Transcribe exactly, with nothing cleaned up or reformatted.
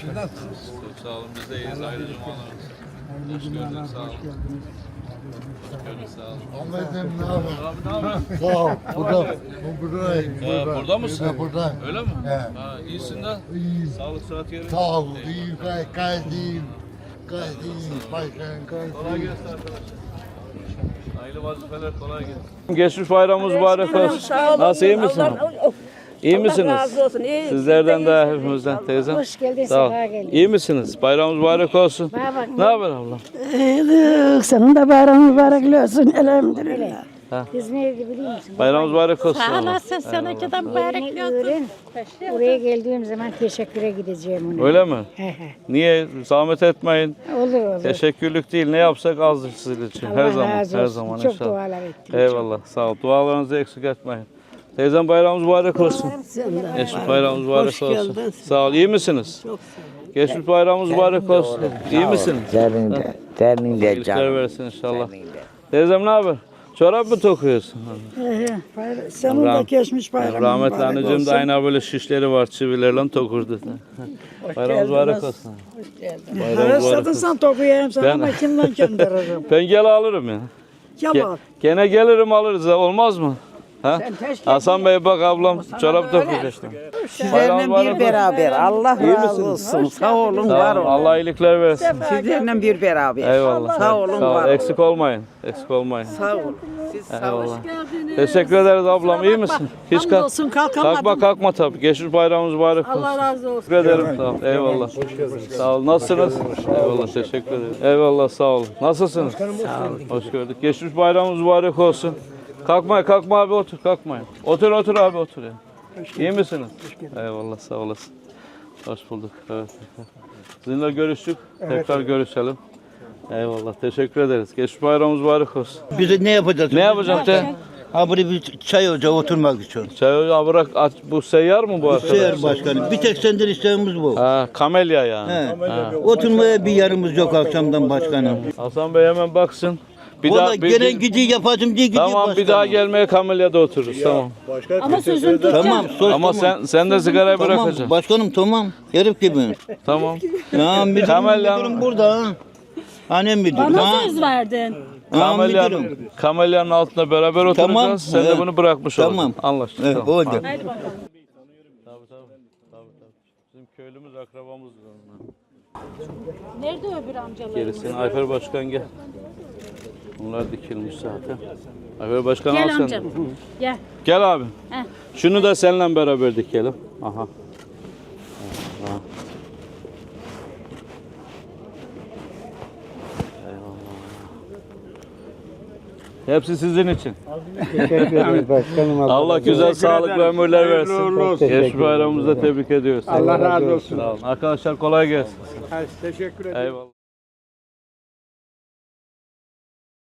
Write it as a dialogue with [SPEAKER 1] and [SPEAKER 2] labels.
[SPEAKER 1] Siz nasılsınız?
[SPEAKER 2] Çok sağ olun. Biz de iyiyiz. Ayrı cumalarımız. Hoş gördük. Sağ olun. Hoş gördük. Sağ olun.
[SPEAKER 3] Ahmet'im ne haber?
[SPEAKER 2] Abi ne yapıyorsun?
[SPEAKER 3] Sağ ol. Burada, bu buradayım.
[SPEAKER 2] Ha, burada mısın?
[SPEAKER 3] Ha, buradayım.
[SPEAKER 2] Öyle mi?
[SPEAKER 3] He.
[SPEAKER 2] Ha, iyisin de.
[SPEAKER 3] İyiyim.
[SPEAKER 2] Sağlık sıhhat yerinde.
[SPEAKER 3] Sağ ol. İyiyim. Gayet, gayet iyiyim. Gayet iyiyim. Başkanım gayet
[SPEAKER 2] Kolay
[SPEAKER 3] iyiyim.
[SPEAKER 2] gelsin arkadaşlar. Hayırlı vazifeler, kolay gelsin. Geçmiş bayramımız mübarek olsun. Nasıl, iyi misin? İyi misiniz?
[SPEAKER 4] Allah razı olsun. İyi.
[SPEAKER 2] Sizlerden de hepimizden teyzem.
[SPEAKER 4] Hoş geldin,
[SPEAKER 2] Sağ ol.
[SPEAKER 4] sefa geldin.
[SPEAKER 2] İyi misiniz? Bayramımız mübarek olsun.
[SPEAKER 4] Bak,
[SPEAKER 2] Ne haber ablam?
[SPEAKER 4] İyilik. Senin de bayramın mübarek olsun. Elhamdülillah.
[SPEAKER 2] Ha.
[SPEAKER 4] nerede biliyor musun?
[SPEAKER 2] Bayramımız mübarek olsun.
[SPEAKER 5] Sağ
[SPEAKER 2] ablam.
[SPEAKER 5] olasın, seninki de mübarek
[SPEAKER 4] Öğren,
[SPEAKER 5] olsun.
[SPEAKER 4] öğren. Oraya geldiğim zaman teşekküre gideceğim ona.
[SPEAKER 2] Öyle mi?
[SPEAKER 4] He he.
[SPEAKER 2] Niye? Zahmet etmeyin.
[SPEAKER 4] Olur olur.
[SPEAKER 2] Teşekkürlük değil. Ne yapsak azdır sizin için. Her
[SPEAKER 4] Allah
[SPEAKER 2] zaman.
[SPEAKER 4] razı
[SPEAKER 2] Her
[SPEAKER 4] olsun.
[SPEAKER 2] zaman
[SPEAKER 4] Çok
[SPEAKER 2] inşallah.
[SPEAKER 4] dualar ettim.
[SPEAKER 2] Eyvallah. Sağ ol. Dualarınızı eksik etmeyin. Teyzem bayramımız mübarek olsun. Geçmiş bayramımız mübarek olsun. Sağ ol. İyi misiniz? Çok sağ ol. Geçmiş bayramımız mübarek olsun. İyi misiniz?
[SPEAKER 6] Terinde, terinde
[SPEAKER 2] İyilikler
[SPEAKER 6] canım.
[SPEAKER 2] versin inşallah. Teyzem ne haber? Çorap mı tokuyorsun?
[SPEAKER 4] Senin
[SPEAKER 2] Rah-
[SPEAKER 4] de geçmiş bayramın
[SPEAKER 2] Rahmetli
[SPEAKER 4] mübarek
[SPEAKER 2] anneciğim de
[SPEAKER 4] olsun.
[SPEAKER 2] aynı böyle şişleri var, çivilerle tokurdu. Bayramımız mübarek olsun. Bayramımız mübarek
[SPEAKER 4] Haraçladın
[SPEAKER 2] olsun.
[SPEAKER 4] sen tokuyayım sana
[SPEAKER 2] Ben-
[SPEAKER 4] ama kimden gönderirim?
[SPEAKER 2] Ben gel alırım ya. Ge-
[SPEAKER 4] Kemal.
[SPEAKER 2] gene gelirim alırız ha, olmaz mı? Ha? Hasan Bey bak ablam çorap dokuyor işte.
[SPEAKER 6] Sizlerle bir beraber. Allah razı olsun. Sağ olun, var
[SPEAKER 2] Sağ olun.
[SPEAKER 6] olun.
[SPEAKER 2] Allah iyilikler versin.
[SPEAKER 6] Sizlerle bir beraber.
[SPEAKER 2] Eyvallah.
[SPEAKER 6] Sağ olun,
[SPEAKER 2] Sağ ol.
[SPEAKER 6] var olun.
[SPEAKER 2] Eksik olmayın. Eksik olmayın.
[SPEAKER 6] Sağ olun. Siz sağ olun.
[SPEAKER 2] Eyvallah. Teşekkür ederiz ablam. İyi misin? Hiç kalk.
[SPEAKER 5] Hamdolsun, kalkamadım.
[SPEAKER 2] Kalkma kalkma tabii. Geçmiş bayramımız mübarek olsun.
[SPEAKER 5] Allah razı olsun.
[SPEAKER 2] Teşekkür ederim. Sağ ol. Eyvallah. Sağ ol. Nasılsınız? Eyvallah. Teşekkür ederim. Eyvallah. Sağ olun. Nasılsınız? Sağ olun. Hoş gördük. Geçmiş bayramımız mübarek olsun. Kalkma, kalkma abi otur. Kalkmayın. Otur otur abi otur ya. İyi misiniz? Eyvallah. Sağ olasın. Hoş bulduk. Evet. Sizinle görüştük. Tekrar görüşelim. Eyvallah. Teşekkür ederiz. Geçmiş bayramımız mübarek olsun.
[SPEAKER 7] Biz de ne yapacağız?
[SPEAKER 2] Ne yapacağım te?
[SPEAKER 7] Ha buraya bir çay ocağı oturmak için.
[SPEAKER 2] Çay ocağı bırak aç. Bu seyyar mı bu arkadaş?
[SPEAKER 7] Sayar başkanım. Bir tek senden isteğimiz bu.
[SPEAKER 2] Ha, kamelya yani.
[SPEAKER 7] He.
[SPEAKER 2] Ha.
[SPEAKER 7] Oturmaya bir yarımız yok akşamdan başkanım.
[SPEAKER 2] Hasan Bey hemen baksın. Bir
[SPEAKER 7] Valla
[SPEAKER 2] daha bir,
[SPEAKER 7] gelen
[SPEAKER 2] bir-
[SPEAKER 7] gidiyor yapacağım diye gidiyor
[SPEAKER 2] Tamam
[SPEAKER 7] başkanım.
[SPEAKER 2] bir daha gelmeye kamelyada otururuz tamam.
[SPEAKER 5] Ama sözün tutacağım.
[SPEAKER 7] Tamam sos
[SPEAKER 2] Ama
[SPEAKER 7] tamam.
[SPEAKER 2] sen sen de sigarayı
[SPEAKER 7] Tamam
[SPEAKER 2] bırakacaksın.
[SPEAKER 7] başkanım tamam. Herif gibi.
[SPEAKER 2] Tamam.
[SPEAKER 7] Ya müdürüm,
[SPEAKER 2] Kamelya-
[SPEAKER 7] müdürüm burada ha. Annem müdür.
[SPEAKER 5] Bana
[SPEAKER 7] Ha.
[SPEAKER 5] söz verdin.
[SPEAKER 7] Ha,
[SPEAKER 2] Kamelyanın,
[SPEAKER 7] müdürüm.
[SPEAKER 2] kamelyanın altında beraber oturacağız.
[SPEAKER 7] Tamam,
[SPEAKER 2] Sen de
[SPEAKER 7] evet.
[SPEAKER 2] bunu bırakmış oldun.
[SPEAKER 7] Tamam.
[SPEAKER 2] Anlaştık.
[SPEAKER 7] Evet,
[SPEAKER 2] tamam.
[SPEAKER 7] oldu.
[SPEAKER 2] Hadi.
[SPEAKER 5] Hadi bakalım.
[SPEAKER 2] Tabii, tabii, tabii, tabii. Bizim köylümüz akrabamız.
[SPEAKER 5] Nerede öbür amcalarımız?
[SPEAKER 2] Gerisini Ayfer Başkan gel. Bunlar dikilmiş zaten. Ayfer Başkan al
[SPEAKER 5] Gel
[SPEAKER 2] sen.
[SPEAKER 5] amcam. Gel.
[SPEAKER 2] Gel abi.
[SPEAKER 5] Heh.
[SPEAKER 2] Şunu da seninle beraber dikelim. Aha. Aha. Hepsi sizin için.
[SPEAKER 8] Teşekkür ederiz başkanım.
[SPEAKER 2] Allah güzel sağlıklı ömürler versin. Geçmiş bayramımızda tebrik ediyoruz.
[SPEAKER 8] Allah razı olsun.
[SPEAKER 2] Sağ olun. Arkadaşlar kolay gelsin.
[SPEAKER 8] Teşekkür ederim.
[SPEAKER 2] Eyvallah.